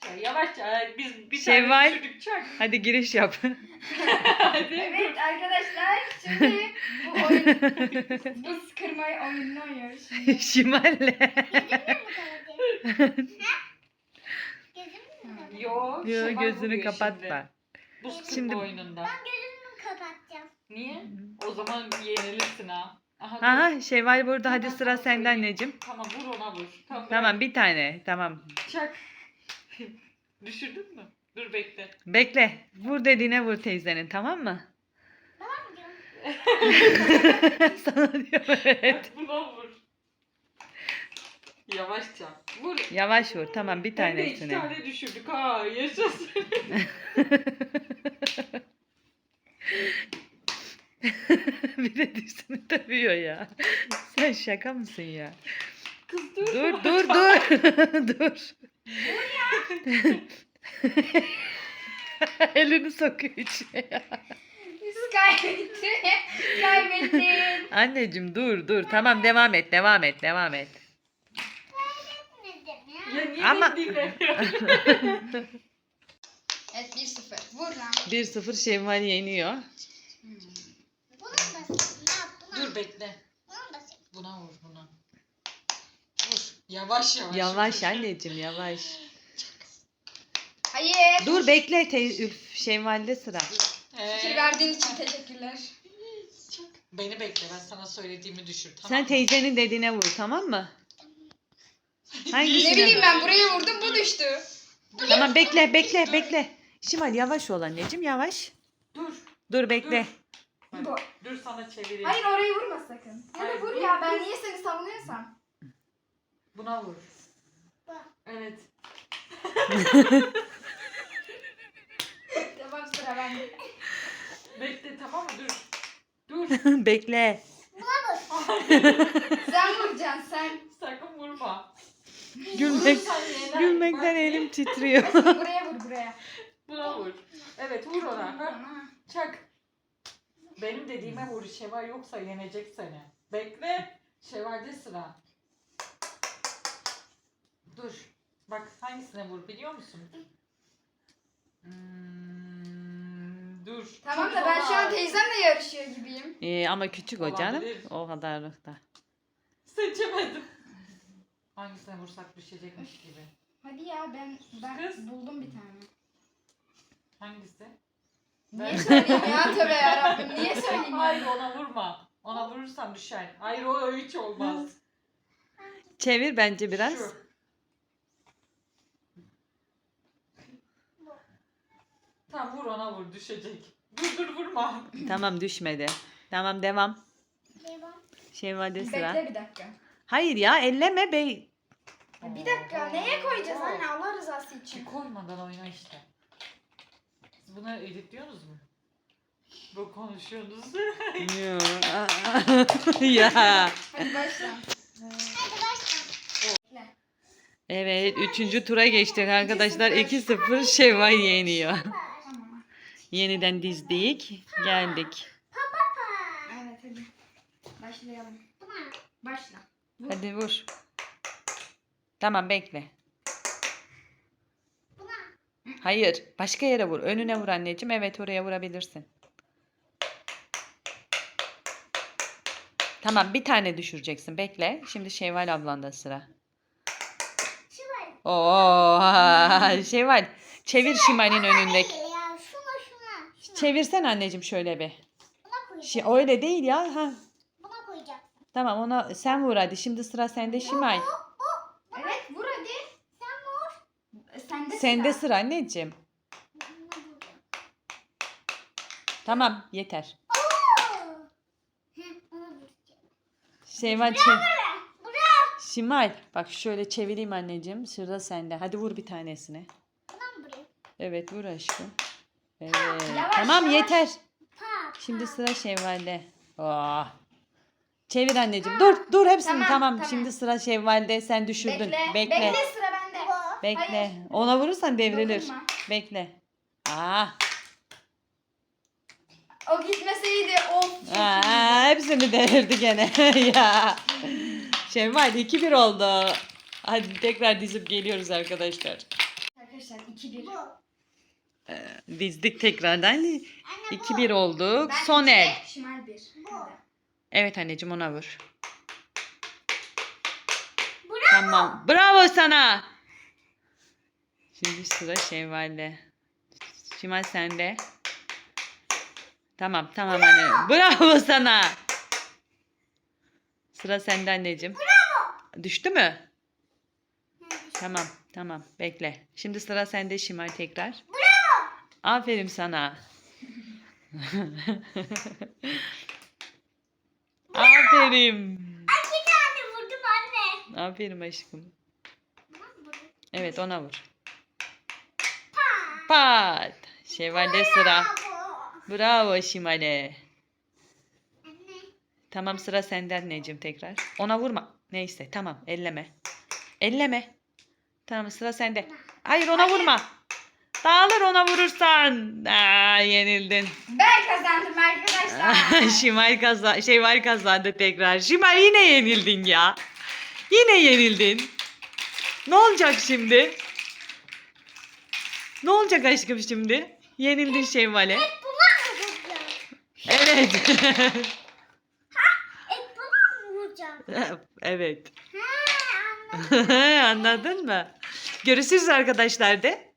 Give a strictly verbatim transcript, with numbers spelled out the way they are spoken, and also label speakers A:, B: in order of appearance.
A: yavaşça yavaşça biz bir
B: Şevval.
A: tane düşürdük çak.
B: Hadi giriş yap.
A: Hadi.
C: Evet arkadaşlar şimdi bu oyun buz kırmayı oyununu oynuyoruz şimdi.
B: Şimalle.
A: Yo,
B: Yo,
A: Şevval
B: gözünü
A: vuruyor
B: kapatma.
A: şimdi. Buz kırma
B: Şimdi-
A: oyununda.
D: Gözümü kapatacağım.
A: Niye? O zaman yenilirsin ha. Aha, dur.
B: Aha Şevval burada. Hadi
A: Tamam,
B: sıra
A: tamam,
B: sende
A: söyleyeyim.
B: anneciğim.
A: Tamam vur ona vur. Tamam,
B: Tamam bir tane. Tamam.
A: Çak. Düşürdün mü? Dur bekle.
B: Bekle. Vur dediğine vur teyzenin, tamam mı?
D: Tamam mı diyorum?
B: Sana diyor evet.
A: Buna vur. Yavaşça. Vur.
B: Yavaş vur. Tamam bir
A: Hem de iki
B: tanesini.
A: tane düşürdük ha. Yaşasın.
B: Bir de dişini tabii ya. Sen şaka mısın ya?
A: Kız dur.
B: Dur dur dur. Dur. Elini sokuyor içine ya.
C: Kaybettin. Kaybettin.
B: Anneciğim dur dur. Tamam devam et devam et devam et.
D: Kaybetmedim ya.
A: Ya niye
B: Ama-
A: beni dinlemiyorsun?
C: Evet bir sıfır. Vur lan.
B: bir sıfır Şevval yeniyor.
D: Buna basayım. Ne yap? Buna.
A: Dur bekle.
D: Buna basayım.
A: Buna vur buna. Vur. Yavaş yavaş.
B: Yavaş anneciğim yavaş.
C: Hayır.
B: Dur bekle teyze. Üf, Şevval'de sıra.
A: Ee,
C: Fikir verdiğin için teşekkürler.
A: çak. Beni bekle ben sana söylediğimi düşür tamam
B: Sen
A: mı?
B: teyzenin dediğine vur, tamam mı? Hangisine?
C: Ne bileyim ben buraya vurdum bu düştü.
B: Tamam bekle bekle bekle. Şimal yavaş ol anneciğim yavaş.
A: Dur.
B: Dur bekle.
A: Bak,
C: Bu.
A: dur sana çevireyim.
C: Hayır orayı vurma sakın. Ya
A: Hayır,
C: da vur
A: vur,
C: ya
A: vur.
C: ben niye seni savunuyorsam.
A: Buna vur.
D: Bu.
A: Evet.
C: Tamam sıra bende.
A: Bekle tamam mı? Dur. Dur.
B: Bekle.
C: Sen vuracaksın sen.
A: Sakın vurma.
B: Gülmek,
A: Vurursan yener.
B: gülmekten
A: Bak,
B: elim titriyor.
C: Buraya vur buraya.
A: Buna vur. Evet vur ona. Ha?
C: Ha.
A: Çak. Benim dediğime vur. Şevval yoksa yenecek seni. Bekle. Şevval'de sıra. Dur. Bak hangisine vur biliyor musun? Hmm, dur.
C: Tamam
A: Çok
C: da ben şu an
A: zor.
C: teyzemle yarışıyor gibiyim.
B: Ee, ama küçük o canım.
A: Olabilir.
B: O kadarlıkta.
A: Seçemedim. Hangisine vursak düşecekmiş gibi.
C: Hadi ya ben ben
A: Kız.
C: buldum bir tane.
A: Hangisi?
C: Niye söyleyeyim ya tövbe yarabbim niye söyleyeyim
A: Hayır
C: ya?
A: ona vurma. Ona vurursan düşer. Hayır o hiç olmaz.
B: Çevir bence biraz.
A: Şu. Tamam vur ona vur düşecek. Dur dur vurma.
B: Tamam düşmedi. Tamam devam.
D: Devam.
B: Şevval'de sıra.
C: Bekle bir dakika.
B: Hayır ya elleme bey.
C: Ya bir dakika neye koyacağız anne Allah rızası için?
A: Ki koymadan oyna işte. Siz bunları editliyorsunuz mu? Bu konuşuyorsunuz.
B: Ya.
C: Hadi başla.
D: Hadi başla.
C: Bekle.
B: Evet, üçüncü tura geçtik arkadaşlar. iki sıfır Şevval yeniyor.
C: Tamam.
B: Yeniden dizdik. Geldik.
C: Evet hadi. Başlayalım.
D: Buna.
C: Başla.
B: Hadi vur. Tamam bekle.
D: Buna.
B: Hayır. Başka yere vur. Önüne vur anneciğim. Evet oraya vurabilirsin. Tamam bir tane düşüreceksin. Bekle. Şimdi Şevval ablanda sıra.
D: Şu var.
B: Oo, Şevval. Çevir Şimal'in önündeki.
D: Hayır ya. Şuna şuna. Şuna.
B: Çevirsen anneciğim şöyle bir.
D: Buna koyacağım.
B: Şi- öyle değil ya. Ha.
D: Buna koyacağım.
B: Tamam ona sen vur hadi. Şimdi sıra sende Şimal.
C: Evet vur hadi.
D: Sen vur.
C: Sende
B: Sende
C: sıra.
B: sıra anneciğim.
D: Buna vuracağım.
B: Tamam yeter.
D: Oo. Hı, buna vuracağım.
B: Şevval çevir.
D: Buraya.
B: Şimal bak şöyle çevireyim anneciğim. Sıra sende. Hadi vur bir tanesini.
D: Buna mı vurayım?
B: Evet vur aşkım. Evet.
C: Yavaş,
B: Tamam
C: yavaş.
B: yeter.
D: Pa.
B: Şimdi sıra Şevval'de. Oh. Çevir anneciğim. Dur dur hepsini tamam.
C: Tamam, tamam.
B: Şimdi sıra Şevval'de. Sen düşürdün.
C: Bekle.
B: Bekle.
C: Bekle. sıra bende.
D: Bu.
B: Bekle.
C: Hayır.
B: Ona vurursan devrilir.
C: Dokunma.
B: Bekle. Aa.
C: O gitmeseydi of. çok
B: Aa, hepsini devirdi gene. Ya. Şevval iki bir oldu. Hadi tekrar dizip geliyoruz arkadaşlar.
C: iyiydi. Arkadaşlar iki bir.
D: Bu.
B: Dizdik tekrardan.
D: Anne
B: iki
D: bu.
B: bir olduk.
C: Ben
B: Son
C: iki,
B: el.
C: Şimal bir.
D: Bu.
C: Hadi.
B: Evet anneciğim ona vur.
D: Bravo.
B: Tamam. Bravo sana. Şimdi sıra Şevval'de. Şimal sende. Tamam tamam anne. Bravo sana. Sıra sende anneciğim.
D: Bravo.
B: Düştü mü? Tamam tamam bekle. Şimdi sıra sende Şimal tekrar.
D: Bravo.
B: Aferin sana. Aferin.
D: Ay bir tane vurdum anne.
B: Aferin aşkım.
D: Tamam,
B: Evet ona vur.
D: Pa.
B: Pat. Şevval'de sıra.
D: Bravo.
B: Bravo Şimal'e.
D: Anne.
B: Tamam sıra sende anneciğim tekrar. Ona vurma. Neyse tamam elleme. Elleme. Tamam sıra sende. Hayır ona vurma. Dağılır ona vurursan. Aa, yenildin.
C: Ben kazandım arkadaşlar.
B: Şimal kazandı. Şevval kazandı tekrar. Şimal yine yenildin ya. Yine yenildin. Ne olacak şimdi? Ne olacak aşkım şimdi? Yenildin Şevval'e.
D: Buna mı vuracağım?
B: Evet.
D: Et buna mı vuracağım?
B: Evet.
D: Ha anladım.
B: Anladın mı? Görüşürüz arkadaşlar de.